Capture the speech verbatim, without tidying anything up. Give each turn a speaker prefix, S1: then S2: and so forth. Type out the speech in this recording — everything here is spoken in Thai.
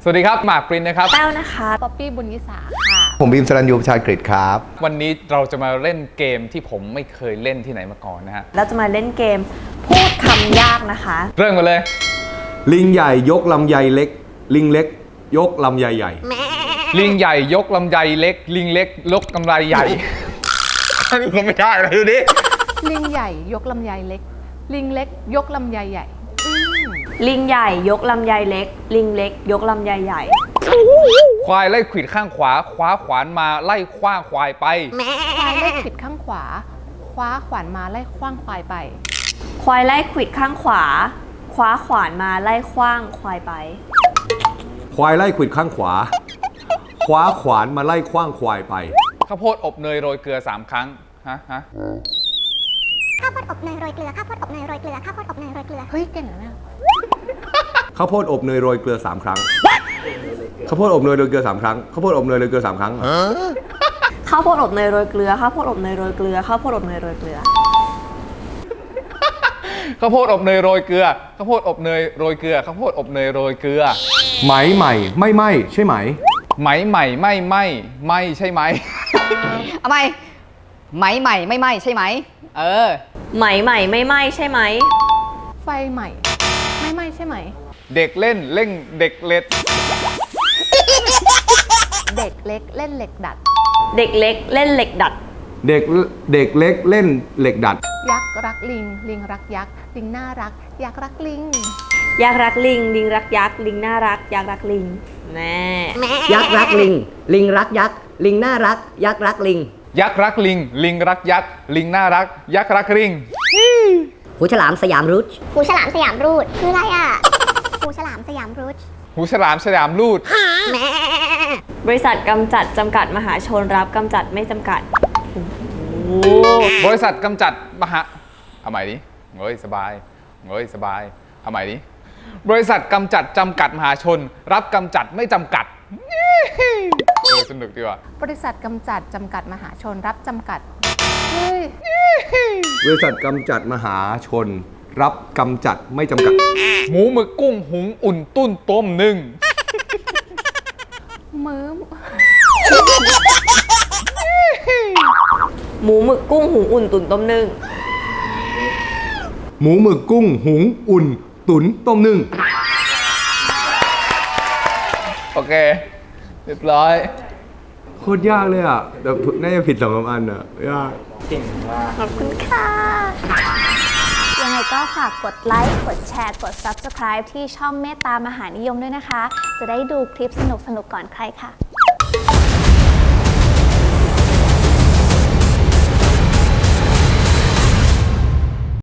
S1: สวัสดีครับหมากปรินนะครับ
S2: แต้วนะคะ
S3: ป๊อปปี้บุญยิสาค่ะ
S4: ผมบีมสรัญยูประชากฤษครับ
S1: วันนี้เราจะมาเล่นเกมที่ผมไม่เคยเล่นที่ไหนมาก่อนนะฮะ
S2: เราจะมาเล่นเกมพูดคำยากนะคะ
S1: เริ่มกันเลย
S4: ลิงใหญ่ยกลำไยเล็กลิงเล็กยกลำไยใหญ่
S1: ลิงใหญ่ยกลำไยเล็กลิงเล็กยกกำไรใหญ่อันนี้ก็ไม่ได้เลยดูดิ
S3: ลิงใหญ่ยกลำไยเล็กลิงเล็กยกลำไยใหญ่
S2: ลิงใหญ่ยกลำไยเล็กลิงเล็กยกลำไยใหญ่
S1: ควายไล่ขวิดข้างขวาคว้าขวานมาไล่คว้างควายไป
S3: ควายไล่ขวิดข้างขวาคว้าขวานมาไล่คว้างควายไป
S2: ควายไล่ขวิดข้างขวาคว้าขวานมาไล่คว้างควายไป
S4: ควายไล่ขวิดข้างขวาคว้าขวานมาไล่คว้างควายไป
S1: ข้าวโพดอบเนยโรยเกลือสามครั้งฮะฮะ
S5: ข้าวโพดอบเนยโรยเกลือข้าวโพดอบเนยโรยเกลือข้าวโพดอบเนยโรยเกลือ
S3: เฮ้ยเก่งนะเนี่ย
S4: ข้าวโพดอบเนยโรยเกลือสามครั้งข้าวโพดอบเนยโรยเกลือสามครั้งข้าวโพดอบเนยโรยเกลือสามครั้ง
S2: ข้าวโพดอบเนยโรยเกลือข้าวโพดอบเนยโรยเกลือข้าวโพดอบเนยโรยเกลือ
S1: ข้าวโพดอบเนยโรยเกลือข้าวโพดอบเนยโรยเกลือข้าวโพดอบเนยโรยเกลือ
S4: ไหมใหม่ไม่ไหมใช่ไหม
S1: ไหมใหม่ไม่ไหมไม่ใช่ไหม
S6: เอาไหมไหมใหม่ไม่ไหมใช่ไหมเออ
S2: ไหมใหม่ไม่ไหมใช่ไหม
S3: ไฟใหม่ไม่ไหมใช่ไหม
S1: เด็กเล่นเล่งเด็กเล็ด
S3: เด็กเล็กเล่นเหล็กดัด
S2: เด็กเล็กเล่นเหล็กดัด
S4: เด็กเด็กเล็กเล่นเหล็กดัด
S3: ยักษ์รักลิงลิงรักยักษ์ลิงน่ารักยักษ์รักลิง
S2: ยักษ์รักลิงลิงรักยักษ์ลิงน่ารักยักษ์รักลิงแม่
S7: ยักษ์รักลิงลิงรักยักษ์ลิงน่ารักยักษ์รักลิง
S1: ยักษ์รักลิงลิงรักยักษ์ลิงน่ารักยักษ์รักลิง
S7: หูฉลามสยามรูท
S5: หูฉลามสยามรูทคืออะไรอ่ะหูฉลามสยามรูท
S1: หูฉลามสยามรูท
S2: บริษัทกำจัดจำกัดมหาชนรับกำจัดไม่จำกัด
S1: บริษัทกำจัดมหาเอาใหม่ดิเฮ้ยสบายเฮ้ยสบายเอาใหม่ดิบริษัทกำจัดจำกัดมหาชนรับกำจัดไม่จำกัดเออสนุกดีว่ะ
S3: บริษัทกำจัดจำกัดมหาชนรับจำกัดเฮ้ย
S4: บริษัทกำจัดมหาชนรับกำจัดไม่จำกัด
S1: หมูหมึกกุ้งหุงอุ่นตุ้นต้มหนึ่ง
S3: มือ
S2: หมูหมึกกุ้งหุงอุ่นตุ๋นต้มนึ่ง
S4: หมูหมึกกุ้งหุงอุ่นตุ๋นต้มนึ่ง
S1: โอเคเรียบร้อย
S4: โคตรยากเลยอ่ะแต่น่าจะผิดสองสามอันอ่ะยาก
S2: เก่งมากขอบคุณค่ะ
S5: ยังไงก็ฝากกดไลค์กดแชร์กด ซับสไครบ์ ที่ช่องเมตตามหานิยมด้วยนะคะจะได้ดูคลิปสนุกๆก่อนใครค่ะ